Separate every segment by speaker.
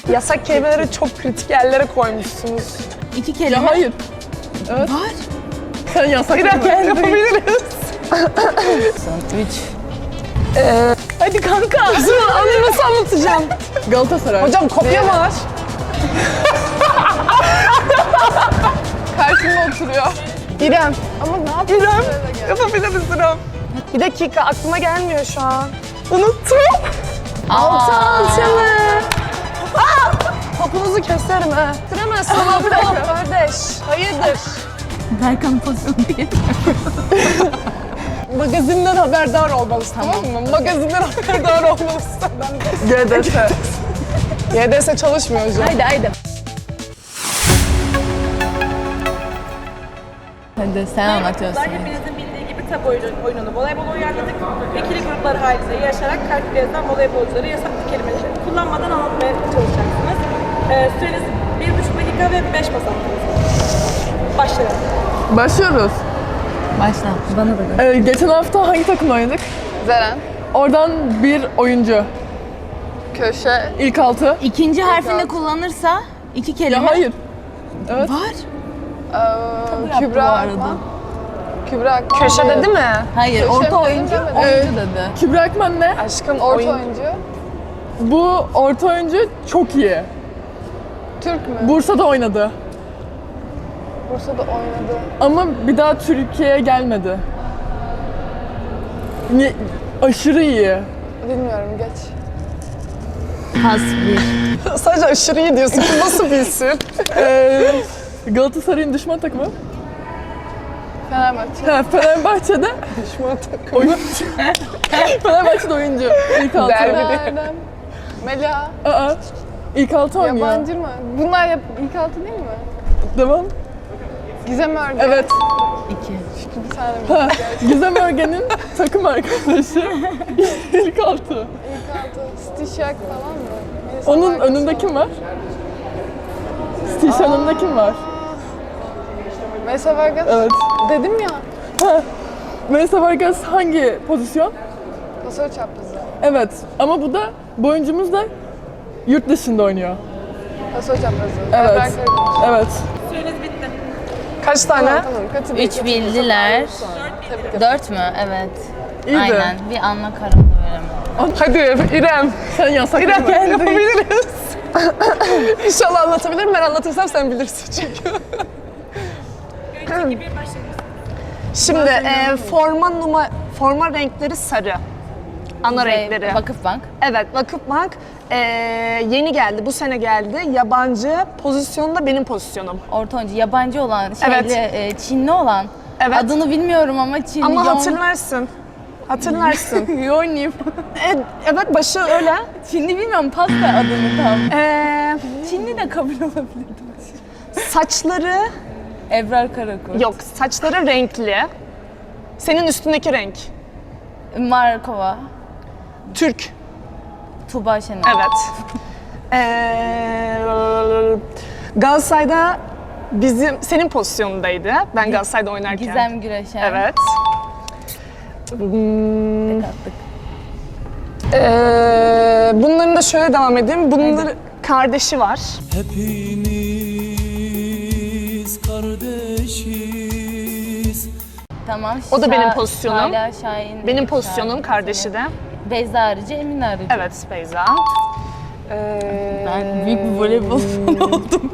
Speaker 1: Yasak kelimeleri çok kritik yerlere koymuşsunuz.
Speaker 2: İki kelime.
Speaker 3: Ya hayır. Evet.
Speaker 2: Var.
Speaker 3: Sen yasak
Speaker 1: Bir dakika yapabiliriz.
Speaker 2: Üç.
Speaker 3: Hadi kanka.
Speaker 1: Onu nasıl anlatacağım?
Speaker 3: Galatasaray.
Speaker 1: Hocam kopya mı var?
Speaker 3: Karşımda oturuyor.
Speaker 1: İrem.
Speaker 3: Ama ne yapayım?
Speaker 1: İrem. Yapabiliriz İrem. Bir dakika aklıma gelmiyor şu an. Unuttum. Altı alçalı. Topunuzu keserim ha. Süremezsin ama bir dakika. Kardeş. Hayırdır?
Speaker 2: Berkan pozisyonu değil.
Speaker 1: Magazinden haberdar olmalısın, tamam mı? Magazinden haberdar olmalısın.
Speaker 3: GDS.
Speaker 1: YDS çalışmıyor hocam.
Speaker 2: Haydi. Hadi sen anlatıyorsun.
Speaker 4: Hepinizin bildiği gibi tabu oyununu voleybola uyarladık. İkili gruplar halinde yarışarak karşıda yazan voleybolcuları yasaklı kelimeleri kullanmadan anlatmaya çalışacaksınız. Süreniz 1,5 dakika ve 5 basamakınız. Başlayalım.
Speaker 3: Başlıyoruz.
Speaker 2: Başla. Bana da.
Speaker 3: Geçen hafta hangi takımla oynadık?
Speaker 5: Zeren,
Speaker 3: Oradan bir oyuncu.
Speaker 5: köşe,
Speaker 3: İlk altı.
Speaker 2: İkinci harfini kullanırsa iki kelime.
Speaker 3: Ya hayır. Evet.
Speaker 2: Var.
Speaker 5: Kübra
Speaker 2: bu arada.
Speaker 5: Akman. Kübra Akman.
Speaker 1: Köşe dedi mi?
Speaker 2: Hayır,
Speaker 5: Köşe
Speaker 2: orta
Speaker 5: mi
Speaker 2: oyuncu,
Speaker 5: dedim,
Speaker 2: oyuncu dedi.
Speaker 3: Kübra Akman ne?
Speaker 1: Aşkım
Speaker 5: Orta
Speaker 1: oyun.
Speaker 5: oyuncu.
Speaker 3: Bu orta oyuncu çok iyi.
Speaker 5: Türk mü?
Speaker 3: Bursa'da oynadı.
Speaker 5: Bursa'da oynadı.
Speaker 3: Ama bir daha Türkiye'ye gelmedi. Aşırı iyi.
Speaker 5: Bilmiyorum, geç.
Speaker 2: Pas bir.
Speaker 1: Sadece aşırı iyi diyorsun. Bu nasıl bilsin?
Speaker 3: Galatasaray'ın düşman takımı.
Speaker 5: Fenerbahçe.
Speaker 3: Ha, Fenerbahçe'de
Speaker 1: Düşman takım.
Speaker 3: oyuncu. Fenerbahçe'de oyuncu. İlk altı.
Speaker 5: Erdem. Mela.
Speaker 3: Aa, ilk altı oynuyor.
Speaker 5: Yabancı mı? Bunlar ilk altı değil mi?
Speaker 3: Devam.
Speaker 5: Gizem Örgü.
Speaker 3: Evet.
Speaker 2: İki.
Speaker 5: Bir tane mi?
Speaker 3: Ha, Gizem Örgen'in takım arkadaşı. İlk altı.
Speaker 5: İlk altı. Stişak falan mı? Neyse,
Speaker 3: Onun
Speaker 5: markası
Speaker 3: önünde
Speaker 5: var.
Speaker 3: kim var? Stişan önünde kim var?
Speaker 5: Mesa Vargas.
Speaker 3: Evet.
Speaker 5: Dedim ya.
Speaker 3: Ha. Melisa Vargas hangi pozisyon?
Speaker 5: Pasör çaprazı.
Speaker 3: Evet. Ama bu oyuncumuz da yurt dışında oynuyor.
Speaker 5: Pasör çaprazı.
Speaker 3: Evet.
Speaker 5: Ebrar Karadeniz.
Speaker 3: Evet.
Speaker 4: Süreniz bitti.
Speaker 1: Kaç tane?
Speaker 5: Tamam, katı bir.
Speaker 2: Üç bildiler.
Speaker 5: Tebrik ederim.
Speaker 2: Dört mü? Evet.
Speaker 3: İyiydi.
Speaker 2: Aynen. Bir anla kararını veremedim.
Speaker 1: Hadi İrem.
Speaker 3: Sen yasak
Speaker 1: İrem
Speaker 3: mı?
Speaker 1: yapabiliriz. İnşallah anlatabilirim. Ben anlatırsam sen bilirsin çünkü.
Speaker 4: 3, 2, 1 başlayalım.
Speaker 1: Şimdi forma renkleri sarı. Ana renkleri.
Speaker 2: Vakıfbank.
Speaker 1: Evet, Vakıfbank yeni geldi, bu sene geldi. Yabancı pozisyonu da benim pozisyonum.
Speaker 2: Orta oyuncu. Yabancı olan, şeyli, Çinli olan.
Speaker 1: Evet.
Speaker 2: Adını bilmiyorum ama Çinli.
Speaker 1: Ama hatırlarsın. Hatırlarsın.
Speaker 2: Yoğunlayayım.
Speaker 1: Evet, başı öyle.
Speaker 2: Çinli bilmiyorum. Pas da adını tam.
Speaker 1: Çinli
Speaker 2: de kabul olabilirdi.
Speaker 1: saçları,
Speaker 2: Ebrar Karakurt.
Speaker 1: yok saçları renkli. Senin üstündeki renk.
Speaker 2: Markova.
Speaker 1: Türk.
Speaker 2: Tuğba Şener.
Speaker 1: Evet. Galatasaray'da senin pozisyonundaydı. Ben Galatasaray'da oynarken.
Speaker 2: Gizem Güreşen.
Speaker 1: Evet.
Speaker 2: Tek attık.
Speaker 1: Bunların da şöyle devam edeyim. Bunların kardeşi var.
Speaker 6: Hepimiz kardeşiz.
Speaker 2: Tamam.
Speaker 1: O da benim pozisyonum.
Speaker 2: Hala Şahin.
Speaker 1: Benim pozisyonum kardeşi de.
Speaker 2: Beyza Arıcı, Emin Arıcı.
Speaker 1: Evet, Beyza.
Speaker 2: Ben büyük bir voleybol fanı oldum.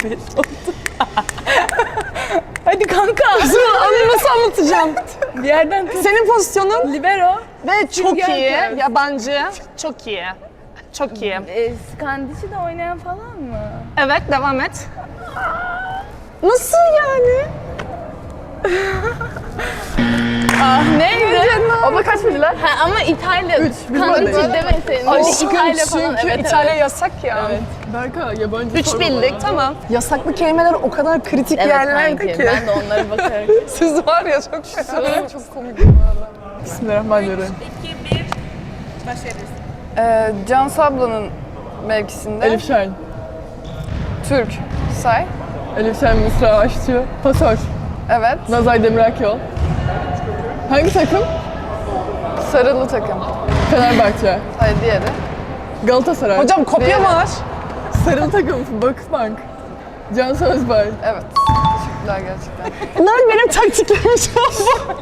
Speaker 3: Hadi kanka.
Speaker 1: Onu nasıl anlatacağım?
Speaker 3: Bir yerden tut.
Speaker 1: Senin pozisyonun
Speaker 3: Libero.
Speaker 1: ve çok
Speaker 3: Sünger
Speaker 1: iyi,
Speaker 3: Kız.
Speaker 1: yabancı, çok iyi. Çok iyi.
Speaker 2: Skandiş'i de oynayan falan mı?
Speaker 1: Evet, devam et. Nasıl yani?
Speaker 3: Neydi? Abla kaç bildiler?
Speaker 2: Ha, ama İtalya.
Speaker 3: Üç, biz
Speaker 2: Skandiş'i
Speaker 3: buradayız.
Speaker 2: demeseydin.
Speaker 1: Aşkım
Speaker 2: İtalya falan.
Speaker 1: çünkü
Speaker 2: Evet,
Speaker 1: İtalya
Speaker 2: evet.
Speaker 1: yasak ya.
Speaker 3: Evet. Berka yabancı
Speaker 1: 3
Speaker 3: sorma
Speaker 1: bildik,
Speaker 3: bana.
Speaker 1: tamam. Yasaklı kelimeler o kadar kritik
Speaker 2: Evet
Speaker 1: yerlerde
Speaker 2: kanki.
Speaker 1: ki.
Speaker 2: Ben de onlara bakarak.
Speaker 1: Siz var ya çok fena.
Speaker 5: Çok komik bu arada.
Speaker 3: Bismillahirrahmanirrahim.
Speaker 4: 2, 1 başlayabiliriz.
Speaker 5: Can Sabla'nın mevkisinde.
Speaker 3: Elif Şahin.
Speaker 5: Türk. Say.
Speaker 3: Elif Şahin, Mısra Aşçı. Pasör.
Speaker 5: Evet.
Speaker 3: Nazay Demirakol. Hangi takım?
Speaker 5: Sarılı takım.
Speaker 3: Fenerbahçe.
Speaker 5: Hayır, diğeri.
Speaker 3: Galatasaray.
Speaker 1: Hocam kopya mı var?
Speaker 3: Sarılı takım Vakıfbank. Cansu Özbay.
Speaker 5: Evet. Teşekkürler gerçekten.
Speaker 1: Bunlar benim taktiklerim şu an.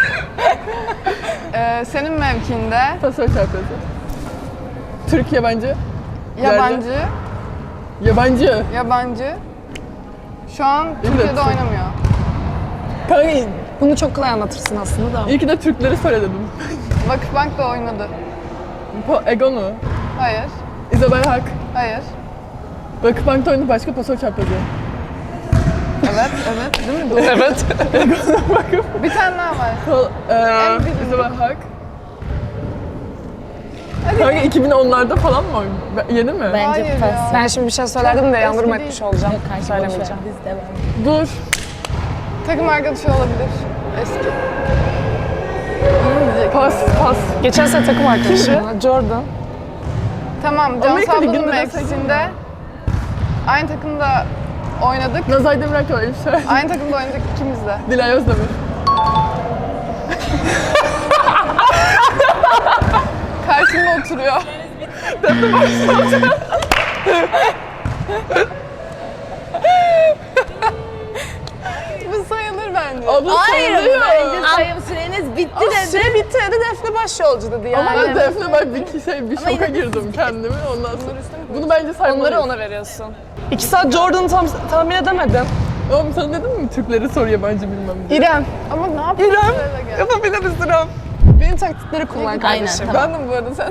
Speaker 5: Senin mevkinde
Speaker 3: Pasör çarpıyordu. Türk yabancı.
Speaker 5: yabancı,
Speaker 3: Yabancı.
Speaker 5: şu an Türkiye'de
Speaker 3: Türk.
Speaker 5: oynamıyor.
Speaker 3: Kanka
Speaker 1: Bunu çok kolay anlatırsın aslında da.
Speaker 3: iyi ki de Türkleri söyledim.
Speaker 5: Vakıfbank'ta oynadı.
Speaker 3: Egonu.
Speaker 5: Hayır,
Speaker 3: İzabel Hak.
Speaker 5: hayır.
Speaker 3: Vakıfbank'ta oynadı başka pasör çarpıyordu.
Speaker 5: Evet, evet. Değil mi? Doğru.
Speaker 3: Evet.
Speaker 5: Bir tane daha var. En bilindik.
Speaker 3: İzabel Hak. Kanka 2010'larda falan mı oynadı? Yeni mi?
Speaker 2: Bence
Speaker 5: Hayır
Speaker 2: pas.
Speaker 5: ya.
Speaker 1: Ben şimdi bir şey söylerdim de yandırma
Speaker 5: eski
Speaker 1: etmiş
Speaker 5: değil.
Speaker 1: olacağım.
Speaker 2: Kanka
Speaker 1: Söylemeyeceğim.
Speaker 2: Biz devam.
Speaker 3: Dur.
Speaker 5: Takım arkadaşı olabilir. Eski.
Speaker 3: Pas.
Speaker 1: Geçen sene takım arkadaşım. Jordan.
Speaker 5: Tamam, Cansu
Speaker 3: Amerika
Speaker 5: ablanın
Speaker 3: Ligi'nde de
Speaker 5: mevkisinde aynı takımda oynadık.
Speaker 3: Nazay Demirel öyle bir şey.
Speaker 5: Aynı takımda oynadık ikimiz de.
Speaker 3: Dilay Özdemir.
Speaker 5: Karşımda oturuyor. Bu sayılır bence.
Speaker 3: Abla
Speaker 2: Hayır,
Speaker 3: sayılıyor.
Speaker 2: bence sayım süreniz bitti dedi.
Speaker 1: Süre bitti dedi Defne Başyolcu dedi
Speaker 3: Ama
Speaker 1: yani.
Speaker 3: ben Defne bak bir şoka girdim kendimi ondan sonra. Bunu bence saymalıyız.
Speaker 1: Onları ona veriyorsun. 2 saat Jordan'ı tahmin edemedim.
Speaker 3: Oğlum sana dedim mi Türkleri sor yabancı bilmem diye.
Speaker 1: İrem.
Speaker 5: Ama ne yapayım?
Speaker 1: İrem.
Speaker 5: Böyle gel.
Speaker 1: Yapabiliriz İrem. Benim taktikleri kullan kardeşim.
Speaker 2: tamam.
Speaker 5: Ben de bu arada sen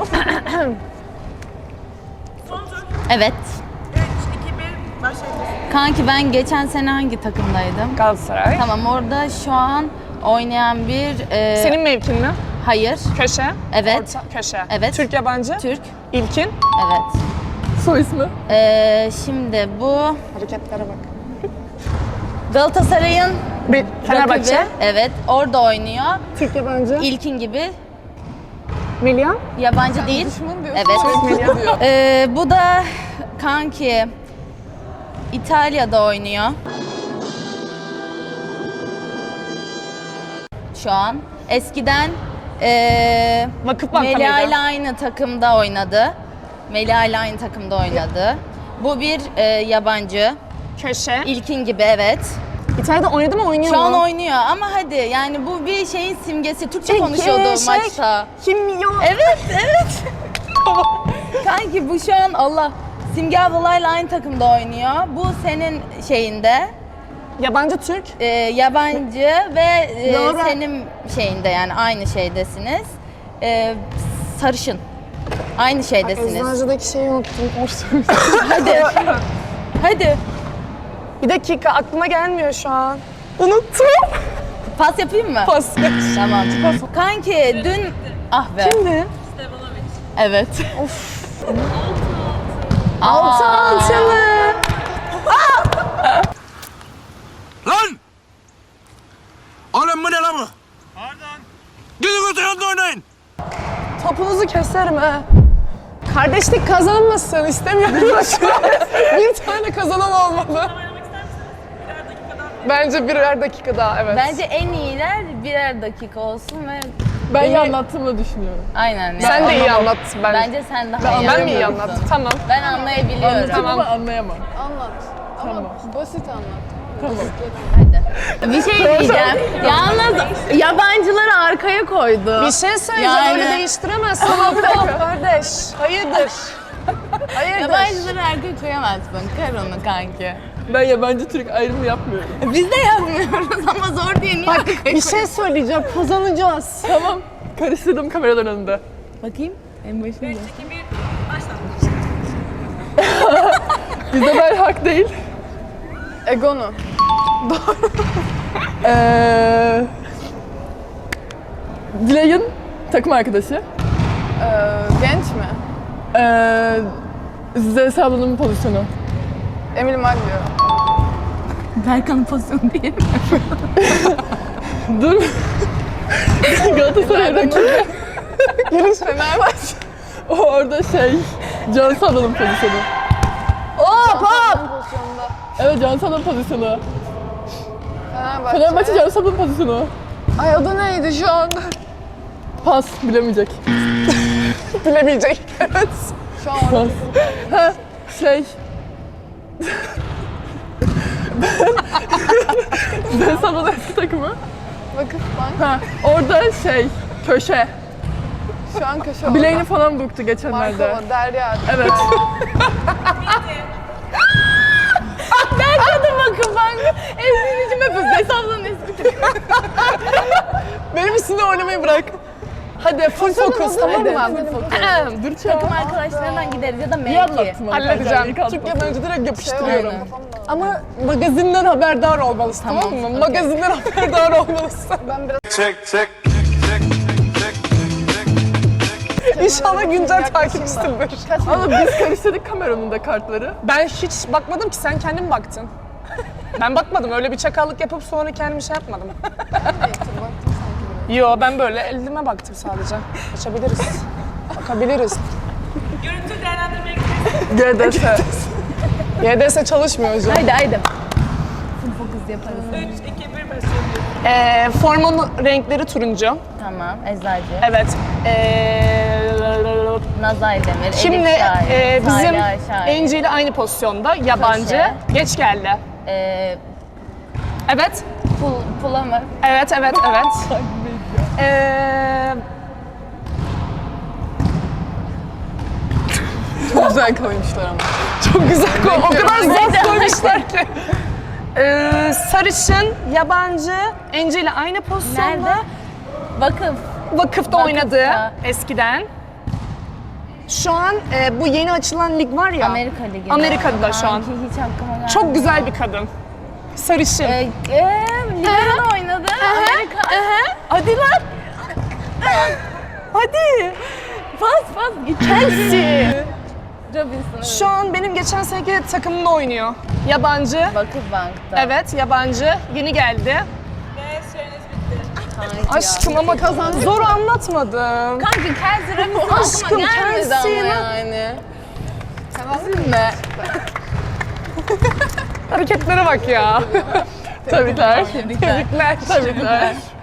Speaker 2: Evet.
Speaker 4: 3, 2, 1 başlayabiliriz.
Speaker 2: Kanki ben geçen sene hangi takımdaydım?
Speaker 1: Galatasaray.
Speaker 2: Tamam, orada şu an oynayan bir...
Speaker 1: Senin mevkin mi?
Speaker 2: Hayır.
Speaker 1: Köşe.
Speaker 2: Evet.
Speaker 1: Orta, köşe.
Speaker 2: Evet.
Speaker 1: Türk yabancı.
Speaker 2: Türk.
Speaker 1: İlkin.
Speaker 2: Evet.
Speaker 3: Soy ismi.
Speaker 2: Şimdi bu
Speaker 1: Hareketlere bak.
Speaker 2: Galatasaray'ın
Speaker 1: Fenerbahçe.
Speaker 2: rakibi. Evet. Orada oynuyor.
Speaker 1: Türk yabancı.
Speaker 2: İlkin gibi.
Speaker 1: Milyan.
Speaker 2: Yabancı değil.
Speaker 5: düşman diyorsun.
Speaker 2: Evet. Bu da kanki İtalya'da oynuyor. Şu an. Eskiden
Speaker 1: Vakıfbank'ta
Speaker 2: Melia
Speaker 1: mıydı?
Speaker 2: ile aynı takımda oynadı. Melia ile aynı takımda oynadı. Bu bir yabancı.
Speaker 1: Köşe.
Speaker 2: İlkin gibi, evet.
Speaker 1: İtalya'da oynadı mı oynuyor
Speaker 2: Şu
Speaker 1: mu?
Speaker 2: an oynuyor ama hadi yani bu bir şeyin simgesi. Türkçe konuşuyordu maçta.
Speaker 1: Kim milyon?
Speaker 2: Evet, evet. Kanki bu şu an Allah. Simge ablalarla aynı takımda oynuyor. Bu senin şeyinde.
Speaker 1: Yabancı Türk.
Speaker 2: Yabancı ve
Speaker 1: Doğru.
Speaker 2: senin şeyinde, yani aynı şeydesiniz. Sarışın. Aynı şeydesiniz.
Speaker 1: Eczacıdaki şeyi unuttum.
Speaker 2: Hadi. Hadi.
Speaker 1: Bir dakika aklıma gelmiyor şu an. Unuttum.
Speaker 2: Pas yapayım mı?
Speaker 1: Pas.
Speaker 2: Tamam. Kanki dün... Ah be.
Speaker 1: Kimdi?
Speaker 2: Evet.
Speaker 1: Altı altılı.
Speaker 6: Lan! Oğlum bu ne lan bu? Pardon. Gidin öte yanda oynayın.
Speaker 1: Topunuzu keserim ha. Kardeşlik kazanmasın istemiyorum. Bir tane kazanan olmalı. Bence birer dakika daha evet.
Speaker 2: Bence en iyiler birer dakika olsun ve
Speaker 3: Ben iyi anlattığımı düşünüyorum.
Speaker 2: aynen. Yani.
Speaker 1: Sen de iyi anlattın bence.
Speaker 2: Bence sen daha iyi
Speaker 1: Ben mi iyi
Speaker 2: anlatıyorsun.
Speaker 1: anlattım? Tamam.
Speaker 2: Ben anlayabiliyorum.
Speaker 3: Anlatayım ama anlayamam.
Speaker 5: Anlat. Ama basit anlat.
Speaker 2: Hadi. Bir şey diyeceğim. Yalnız yabancıları arkaya koydu.
Speaker 1: Bir şey söyleyeceğim
Speaker 2: Yani-
Speaker 1: öyle değiştiremezsin. Tamam kardeş. Hayırdır? Hayırdır?
Speaker 2: Yabancıları arkaya koyamazsın. Kar onu kanki.
Speaker 3: Ben yabancı Türk ayrımı yapmıyorum.
Speaker 2: Biz de yazmıyoruz ama zor diye niye arkaya
Speaker 1: Bir şey söyleyeceğim. Kazanacağız.
Speaker 3: Tamam. Karıştırdım kameraların önünde.
Speaker 2: Bakayım. En başında.
Speaker 4: 3, 2, 1 başla.
Speaker 3: İzabel Hak değil.
Speaker 5: Egonu.
Speaker 3: Dilay'ın takım arkadaşı.
Speaker 5: Genç mi?
Speaker 3: Zeynep ablanın pozisyonu.
Speaker 5: Emil Maglio.
Speaker 2: Berkan'ın pozisyonu değil mi?
Speaker 3: Dur. Galatasaray rakibi.
Speaker 5: Fenerbahçe.
Speaker 3: O orada Cansu ablanın pozisyonu.
Speaker 5: Hop hop. Pozisyonda.
Speaker 3: Evet Cansu ablanın pozisyonu.
Speaker 5: Fenerbahçe.
Speaker 3: Fenerbahçe Cansu ablanın pozisyonu.
Speaker 5: Ay adı neydi şu anda?
Speaker 3: Pas bilemeyecek.
Speaker 1: Bilemeyecek. Evet.
Speaker 5: Şu an
Speaker 3: Pas. Şey... Ben sana eski takımı.
Speaker 5: Vakıfbank.
Speaker 3: Ha, orada şey, köşe.
Speaker 5: Şu an köşe oldu.
Speaker 3: Bileğini falan burktu geçenlerde.
Speaker 5: Markova, Derya.
Speaker 3: Evet.
Speaker 2: Hadi bakın ben eskicim yapıyoruz. Hesabların eski.
Speaker 1: Benim üstünde oynamayı bırak. Hadi full focus tamam mı?
Speaker 3: Dur
Speaker 2: Takım arkadaşlarından gideriz ya da
Speaker 3: İyi anlattın
Speaker 2: mevki.
Speaker 3: bana.
Speaker 1: Halledeceğim.
Speaker 3: kanka,
Speaker 1: Çünkü önce direkt yapıştırıyorum.
Speaker 2: Aynen.
Speaker 1: Ama magazinden haberdar olmalısın tamam mı? Magazinden haberdar olmalısın.
Speaker 5: Ben biraz
Speaker 6: Check, check.
Speaker 1: İnşallah güncel takipçisidir.
Speaker 3: Ama biz karıştırdık kameranın da kartları.
Speaker 1: Ben hiç bakmadım ki sen kendin baktın. Ben bakmadım öyle bir çakallık yapıp sonra kendimi şey yapmadım. Yo ben böyle elime baktım sadece. Açabiliriz. Bakabiliriz.
Speaker 4: Görüntü değerlendirmeye
Speaker 1: YDS
Speaker 3: GDS.
Speaker 1: çalışmıyor hocam.
Speaker 2: Haydi. Full focus yaparız.
Speaker 4: 3, 2, 1 başlıyoruz.
Speaker 1: Formanın renkleri turuncu.
Speaker 2: Tamam. Eczacı.
Speaker 1: Evet.
Speaker 2: Nazay Demir.
Speaker 1: Şimdi
Speaker 2: Elif Şahin.
Speaker 1: bizim
Speaker 2: Salih Şahin.
Speaker 1: Enci ile aynı pozisyonda yabancı.
Speaker 2: Köşe.
Speaker 1: Geç geldi. Evet.
Speaker 2: Pula mı?
Speaker 1: Evet.
Speaker 5: çok güzel koymuşlar ama.
Speaker 1: Çok güzel o kadar zor koymuşlar ki. Sarışın, yabancı, Enci ile aynı pozisyonda.
Speaker 2: Nerede? Vakıf.
Speaker 1: Vakıfta oynadı
Speaker 2: Vakıfta.
Speaker 1: eskiden. Şu an bu yeni açılan lig var ya.
Speaker 2: Amerika Ligi'nde.
Speaker 1: Amerika'da şu an.
Speaker 2: Sanki hiç aklıma gelmedi.
Speaker 1: Çok güzel bir kadın. Sarışın.
Speaker 2: Libero'da oynadı. Amerika.
Speaker 1: Hadi lan. Hadi.
Speaker 2: Pas. Chelsea. Robinson.
Speaker 1: Şu an benim geçen seneki takımımda oynuyor. Yabancı.
Speaker 2: Vakıfbank'ta.
Speaker 1: Evet, yabancı. Yeni geldi.
Speaker 4: Ve süreniz bitti.
Speaker 1: Aşkım ama kazandı. Zor anlatmadım.
Speaker 2: Kanka Chelsea Robinson
Speaker 1: Aşkım,
Speaker 2: aklıma gelmedi
Speaker 1: Chelsea
Speaker 2: ama
Speaker 1: lan.
Speaker 2: yani.
Speaker 5: Üzülme.
Speaker 1: Hareketlere bak ya.
Speaker 3: Tebrikler.
Speaker 1: Tebrikler.
Speaker 3: Tebrikler.